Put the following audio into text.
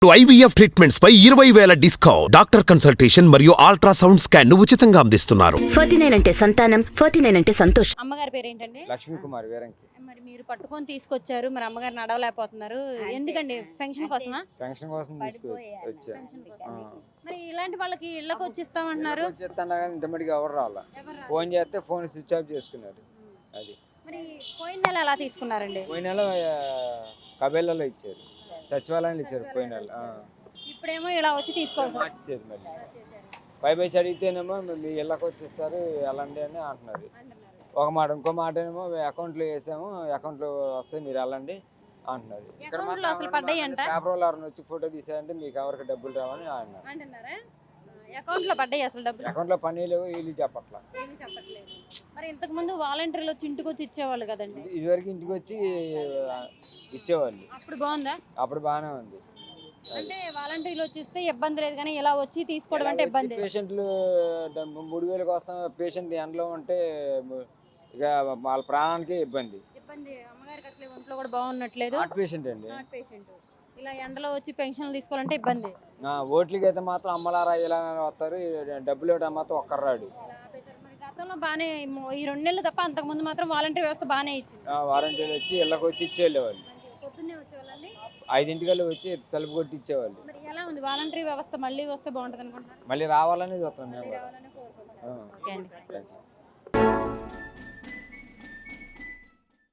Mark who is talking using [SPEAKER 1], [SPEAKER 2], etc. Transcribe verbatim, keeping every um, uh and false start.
[SPEAKER 1] IVF treatments పై ఇరవై వేల డిస్కౌంట్, డాక్టర్ కన్సల్టేషన్ మరియు అల్ట్రాసౌండ్ స్కాన్ ను ఉచితంగా అందిస్తున్నారు.
[SPEAKER 2] ఫార్టీ నైన్ అంటే సంతానం, ఫార్టీ నైన్ అంటే సంతోషం.
[SPEAKER 3] అమ్మగారి పేరు ఏంటండి?
[SPEAKER 4] లక్ష్మీ కుమార్ వేరంకి.
[SPEAKER 3] మరి మీరు పట్టుకొని తీసుకొచ్చారు, మరి అమ్మగారు నడవలేకపోతున్నారు ఎందుకండి? పెన్షన్ కోసమా?
[SPEAKER 4] పెన్షన్ కోసం తీసుకొచ్చి వచ్చా.
[SPEAKER 3] పెన్షన్ కోసం. మరి ఇలాంటి వాళ్ళకి ఇళ్ళకి వచ్చిస్తామంటున్నారు.
[SPEAKER 4] వచ్చేస్తాను కానీ ఇంతమటికి ఎవరు రావాలా. ఫోన్ చేస్తే ఫోన్ స్విచ్ ఆఫ్ చేసుకున్నారు. అది
[SPEAKER 3] మరి పోయిన నెల ఎలా తీసుకున్నారండి?
[SPEAKER 4] పోయిన నెల కబేళ్ళలో ఇచ్చారు, సచివాలయంలో ఇచ్చారు పోయిన నెల.
[SPEAKER 3] ఇప్పుడేమో ఇలా వచ్చి తీసుకోవాలి.
[SPEAKER 4] మార్చేది మరి పై పై అడిగితేనేమో మీ ఇళ్ళకి వచ్చేస్తారు వెళ్ళండి అని అంటున్నారు. ఒక మాట, ఇంకో మాట ఏమో అకౌంట్లో వేసాము, అకౌంట్లో వస్తే మీరు వెళ్ళండి అంటున్నారు. ఇక్కడ పేపర్ వాళ్ళు ఎవరైనా వచ్చి ఫోటో తీసారంటే మీకు ఎవరికి డబ్బులు రావని అన్నారు.
[SPEAKER 3] అకౌంట్ లో పడ్డాయి అసలు డబ్బులు?
[SPEAKER 4] అకౌంట్ లో పని లేవు, వీళ్ళు చెప్పట్లా.
[SPEAKER 3] మరి ఇంతకు ముందు వాలంటీర్లు వచ్చి ఇంటికి వచ్చి ఇచ్చేవాళ్ళు కదండి.
[SPEAKER 4] ఇదివరకు ఇంటికి వచ్చి ఇచ్చేవాళ్ళు.
[SPEAKER 3] అప్పుడు బాగుందా?
[SPEAKER 4] అప్పుడు బాగానే ఉంది.
[SPEAKER 3] అంటే వాలంటీర్లు వచ్చిస్తే ఇబ్బంది లేదు, కానీ ఇలా వచ్చి తీసుకోవడం అంటే ఇబ్బంది.
[SPEAKER 4] పేషెంట్లు మూడు వేల కోసం పేషెంట్ ఎండలో ఉంటే ఇక వాళ్ళ ప్రాణానికి ఇబ్బంది.
[SPEAKER 3] ఇబ్బంది. అమ్మగారికి అసలు ఒంట్లో కూడా బాగున్నట్లేదు.
[SPEAKER 4] హార్ట్ పేషెంట్ అండి.
[SPEAKER 3] Heart patient. ఇలా ఎండలో వచ్చి పెన్షన్లు తీసుకోవాలంటే ఇబ్బంది.
[SPEAKER 4] ఓట్లకి అయితే మాత్రం అమ్మలారా ఇలా వస్తారు, డబ్బులు ఇవ్వడం మాత్రం ఒక్కర్రాడు.
[SPEAKER 3] మరి గతంలో బాగానే ఈ రెండు నెలలు తప్ప అంతకు ముందు మాత్రం వాలంటీర్ వ్యవస్థ బాగానే ఇచ్చింది.
[SPEAKER 4] వాలంటీర్లు వచ్చి ఇళ్ళకి వచ్చి ఇచ్చేవాళ్ళు.
[SPEAKER 3] పొద్దున్నే వచ్చేవాళ్ళండి.
[SPEAKER 4] ఐదింటికల్లా వచ్చి తలుపు కొట్టి ఇచ్చేవాళ్ళు.
[SPEAKER 3] మరి ఎలా ఉంది వాలంటీర్ వ్యవస్థ? మళ్ళీ వస్తే బాగుంటుంది అనుకుంటున్నారు?
[SPEAKER 4] మళ్ళీ రావాలని చూస్తాం మేము.
[SPEAKER 3] రావాలని కోరుకుంటున్నాను. ఓకే అండి.